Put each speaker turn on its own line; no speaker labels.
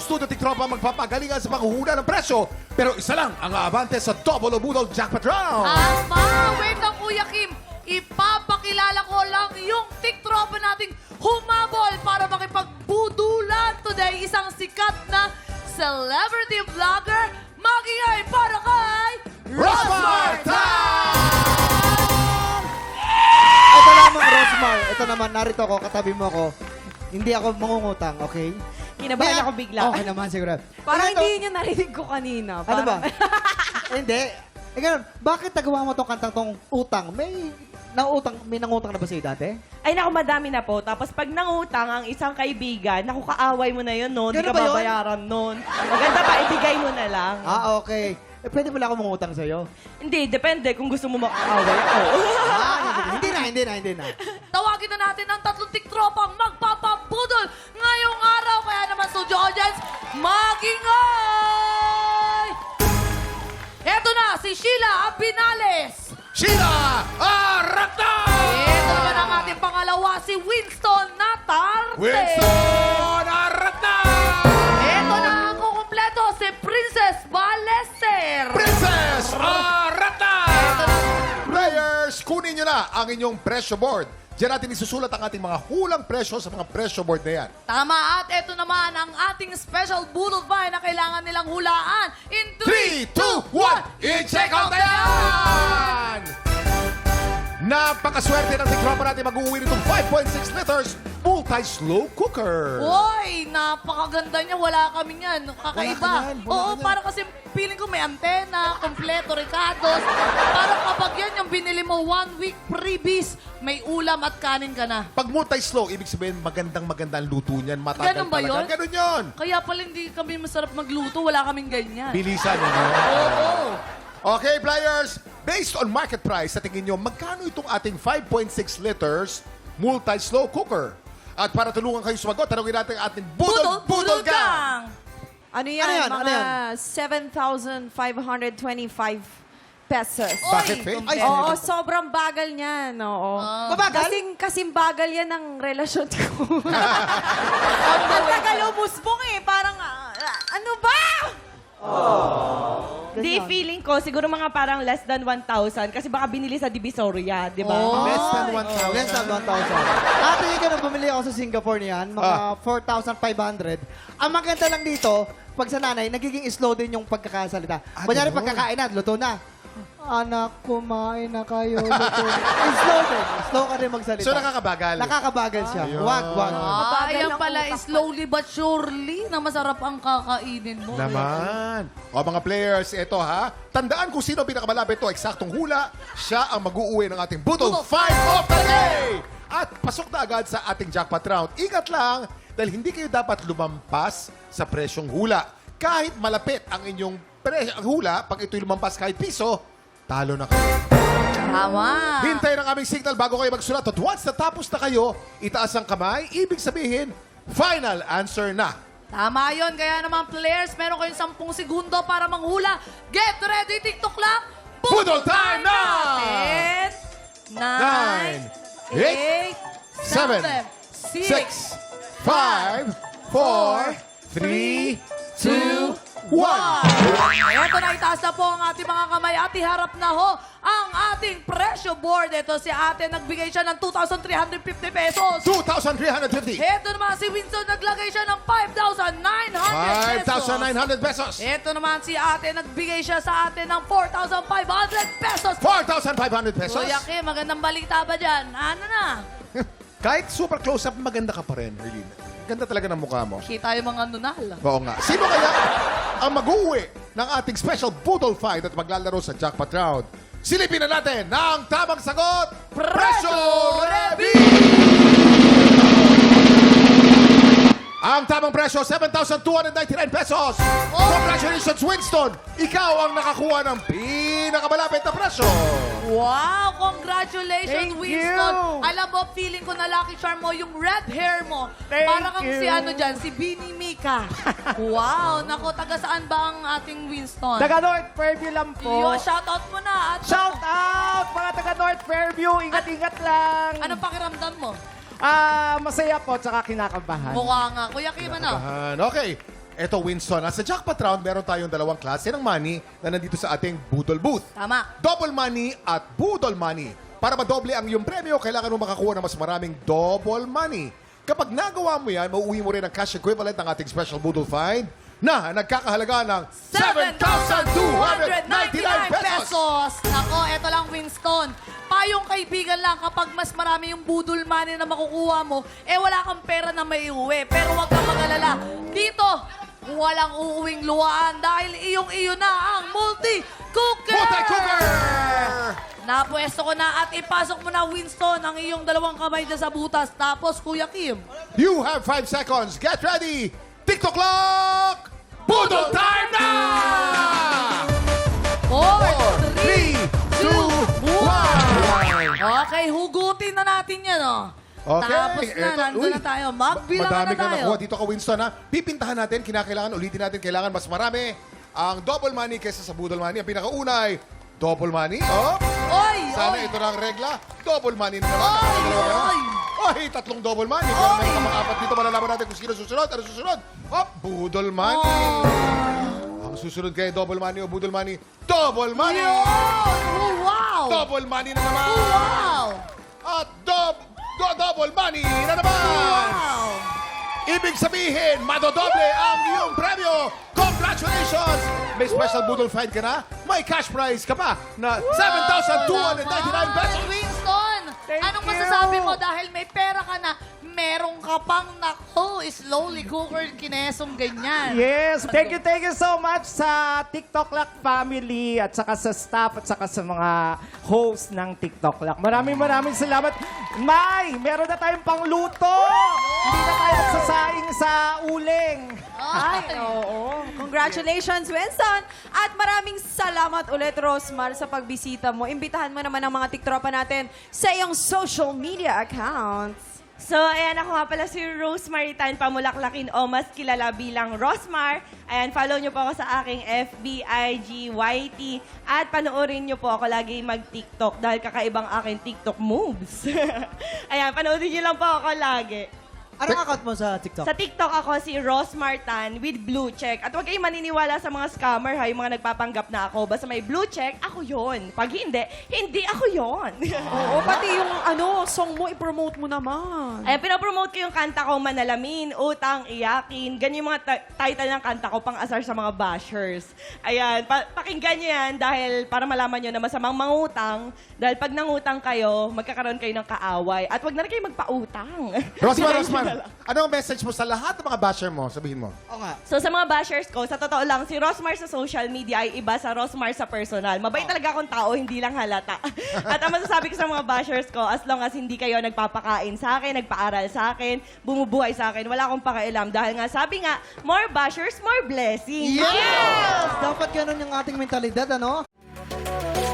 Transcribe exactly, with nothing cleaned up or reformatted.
studio tiktropa magpapagalingan sa panghuhula ng presyo. Pero isa lang ang aabante sa Double o Budol Jackpot Round.
Tama! Wait lang, Kuya Kim. Ipapakilala ko lang yung tiktropa nating humabol para makipagbudulan today. Isang sikat na celebrity vlogger. Magingay para kay
Rosmar
Ito naman, Rosmar. Ito naman, narito ako, katabi mo ako. Hindi ako mangungutang, okay?
Kinabahan
Kaya-
ako bigla.
Okay naman, siguro.
Parang
Ito-
hindi niyo narinig ko kanina.
Ano ba?
Parang-
Hindi. Eh, ganun, bakit nagawa mo tong kantang tong utang? May nangutang, may nangutang na ba sa'yo dati?
Ay, naku, madami na po. Tapos pag nangutang ang isang kaibigan, naku, kaaway mo na yun, no? Hindi
Ganun
ka
ba yun?
babayaran nun. Maganda pa, ibigay mo na lang.
Ah, okay. Eh, pwede pala ako mangutang sa'yo.
Hindi, depende kung gusto mo makaaway ako.
Ah, hindi na, hindi na, hindi na.
Tawagin na natin ang tatlong tiktropang magpapabudol ngayong araw. Kaya naman, studio audience, magingay! Eto na, si Sheila Abinales.
Sheila Arata!
Ito naman ang ating pangalawa, si Winston Natarte.
Winston Arata!
Ito na ang kukumpleto, si Princess Balester.
Princess Arata! Players, kunin nyo na ang inyong presyo board. Diyan natin isusulat ang ating mga hulang presyo sa mga presyo board na yan.
Tama, at ito naman ang ating special Budol Vine na kailangan nilang hulaan. In
three, two, one, i-check out na yan! Napakaswerte ng tikropa natin mag-uwi nitong five point six liters multi-slow cooker.
Uy, napakaganda niya. Wala kami yan. Kakaiba.
Wala ka yan, wala
Oo,
ka yan.
para kasi feeling ko may antena, kompleto, ricados. Para kapag yan yung binili mo one week freebies, may ulam at kanin ka na.
Pag multi-slow, ibig sabihin magandang magandang luto niyan. Matagal
Ganun ba
talaga.
yun?
Ganun yun.
Kaya pala hindi kami masarap magluto. Wala kaming ganyan.
Bilisan, ano?
Oo.
Okay, players. Based on market price, sa tingin nyo, magkano itong ating five point six liters multi-slow cooker? At para tulungan kayo sumagot, tanongin natin ang ating Budol, Budol, Gang!
Ano yan?
Ano yan?
Mga
Ano yan?
seven thousand five hundred twenty-five pesos.
Bakit, Faye?
Ay,
Oo, sobrang bagal niyan. Oo.
Mabagal?
Kasing, kasing bagal yan ng relasyon ko. Ang tagal umusbong eh. Parang, ah, ano ba? Di, feeling ko, siguro mga parang less than one thousand kasi baka binili sa Divisoria, di ba?
Oh.
Less than one thousand.
Less than one thousand. Ate, yung ganun, bumili ako sa Singapore niyan, mga
Ah.
four thousand five hundred. Ang maganda lang dito, pag sa nanay, nagiging slow din yung pagkakasalita.
Ah,
Kunyari,
ganun.
pagkakain na, luto na. Anak, kumain na kayo, luto na. slow din. Slow ka rin magsalita.
So, nakakabagal.
Nakakabagal siya.
Ayun.
Wag, wag.
Ah,
Mabagal
ayan
ang
pala,
utak ko.
slowly but surely na masarap ang kakainin mo.
Naman. O mga players, ito ha. Tandaan kung sino ang pinakamalapit to. Eksaktong hula, siya ang mag-uuwi ng ating Budol
Budol
five of the day! At pasok na agad sa ating jackpot round. Ingat lang, dahil hindi kayo dapat lumampas sa presyong hula. Kahit malapit ang inyong pre- ang hula, pag ito'y lumampas kahit piso, talo na kayo.
Tama.
Hintayin ang aming signal bago kayo magsulat. At once natapos na kayo, itaas ang kamay, ibig sabihin, final answer na.
Tama yun. Kaya naman, players, meron kayong sampung segundo para manghula. Get ready, TikTok lang.
Budol time na!
Ten,
Nine,
nine,
eight,
eight,
seven,
seven,
Six,
six,
five, four, three, two, one.
Ito na, itaas na po ang ating mga kamay at iharap na ho ang ating presyo board. Ito si ate, nagbigay siya ng two thousand three hundred fifty pesos.
two thousand three hundred fifty.
Ito naman si Winston, naglagay siya ng five thousand nine hundred pesos.
five thousand nine hundred pesos.
Ito naman si ate, nagbigay siya sa atin ng four thousand five hundred pesos.
four thousand five hundred pesos.
Kuya Kim, magandang balita ba dyan? Ano na?
Kahit super close-up, maganda ka pa rin, Erlene. Ganda talaga ng mukha mo.
Kita yung mga nunal.
Oo nga. Sino kaya ang mag-uwi ng ating special Budol Fight at maglalaro sa jackpot round? Silipin na natin ng tamang sagot. Presyo Reveal! Ang tamang presyo, seven thousand two hundred ninety-nine pesos. Congratulations, Winston! Ikaw ang nakakuha ng pinakamalapit na presyo.
Wow! Congratulations,
Thank
Winston!
you.
Alam mo, feeling ko na lucky charm mo yung red hair mo.
Thank
Para kang
you.
si ano dyan, si Bini Mika. Wow! Nako, taga saan ba ang ating Winston?
Taga North Fairview lang po.
Yo, shoutout mo na. At
Shout out mga taga North Fairview. Ingat-ingat lang.
anong pakiramdam mo?
Ah, masaya po tsaka kinakabahan.
Mukha nga. Kuya Kim, ano?
Ahan. Okay. Eto, Winston, ah, sa jackpot round, meron tayong dalawang klase ng money na nandito sa ating Budol Booth.
Tama.
Double money at Budol money. Para madoble ang iyong premyo, kailangan mo makakuha ng mas maraming double money. Kapag nagawa mo yan, mauuwi mo rin ang cash equivalent ng ating special Budol find na nagkakahalaga ng seven thousand two hundred ninety-nine pesos.
Nako, eto lang, Winston. Payong kaibigan lang kapag mas marami yung budol money na makukuha mo, eh wala kang pera na may uwi. Pero huwag kang mag-alala. Dito, walang uuwing luwaan dahil iyong-iyo na ang multi-cooker!
Multi-cooker!
Napwesto ko na at ipasok mo na, Winston, ang iyong dalawang kamay na sa butas. Tapos, Kuya Kim.
You have five seconds. Get ready. TikTok clock! Budol time na!
Four,
three, two, one.
Okay, hugutin na natin yan, oh.
Okay.
Tapos na,
Eto,
nandun
uy,
na tayo. Magbilang
Madami
na
ka
tayo.
nakuha dito ka, Winston, ha? Pipintahan natin, kinakailangan, ulitin natin, kailangan mas marami ang double money kaysa sa budol money. Ang pinakaunay, double money. Oh,
Oy,
sana
oy.
ito na ang regla. Double money na naman.
Oy,
Nakakadalawa kayo.
oy.
Oy, tatlong double money. Pero meron ka mga apat dito, malalaman natin kung sino susunod. Ano susunod? Oh, budol money.
Oh.
Ang susunod kay double money o budol money, double money.
Yun! Oh, wow!
Double money na naman.
Wow!
At dob do double money na naman.
Wow!
Ibig sabihin, madodoble ang iyong premyo. Congratulations! May special budol find ka na? May cash prize ka pa na seven thousand two hundred ninety-nine pesos.
Winston,
Thank
anong
you.
masasabi mo dahil may pera ka na, meron ka pang nako, slowly cooker kinesong ganyan.
Yes, thank you, thank you so much sa TikTok Lock family at saka sa staff at saka sa mga host ng TikTok Lock. Maraming maraming salamat. May, meron na tayong pangluto. Hindi na tayo magsasaing sa uling.
Ay, oo. Congratulations, Winston. At maraming salamat ulit, Rosmar, sa pagbisita mo. Imbitahan mo naman ang mga tiktropa natin sa iyong social media accounts.
So, ayan, ako nga pala si Rosemary Tan Pamulaklakin o mas kilala bilang Rosmar. Ayan, follow nyo po ako sa aking F B, I G, Y T. At panoorin nyo po ako lagi mag-TikTok dahil kakaibang aking TikTok moves. Ayan, panoorin nyo lang po ako lagi.
Anong account mo sa TikTok?
Sa TikTok ako si Rosmar Tan with blue check. At huwag kayong maniniwala sa mga scammer ha, yung mga nagpapanggap na ako. Basta may blue check, ako yon. Pag hindi, hindi ako yon.
Oo, pati yung ano, song mo, i-promote mo naman.
Ayan, pinapromote ko yung kanta ko, Manalamin, Utang, Iyakin. Ganyan yung mga ta- title ng kanta ko, pang-asar sa mga bashers. Ayan, pa- pakinggan nyo yan dahil para malaman nyo na masamang mangutang. Dahil pag nangutang kayo, magkakaroon kayo ng kaaway. At wag na rin kayo magpautang.
Rosmar, Rosmar, ano ang message mo sa lahat ng mga basher mo? Sabihin mo.
Oo nga.
So sa mga bashers ko, sa totoo lang, si Rosmar sa social media ay iba sa Rosmar sa personal. Mabait talaga akong tao, hindi lang halata. At ang masasabi ko sa mga bashers ko, as long as hindi kayo nagpapakain sa akin, nagpaaral sa akin, bumubuhay sa akin, wala akong pakialam. Dahil nga, sabi nga, more bashers, more blessings.
Yes! Dapat ganun yung ating mentalidad, ano?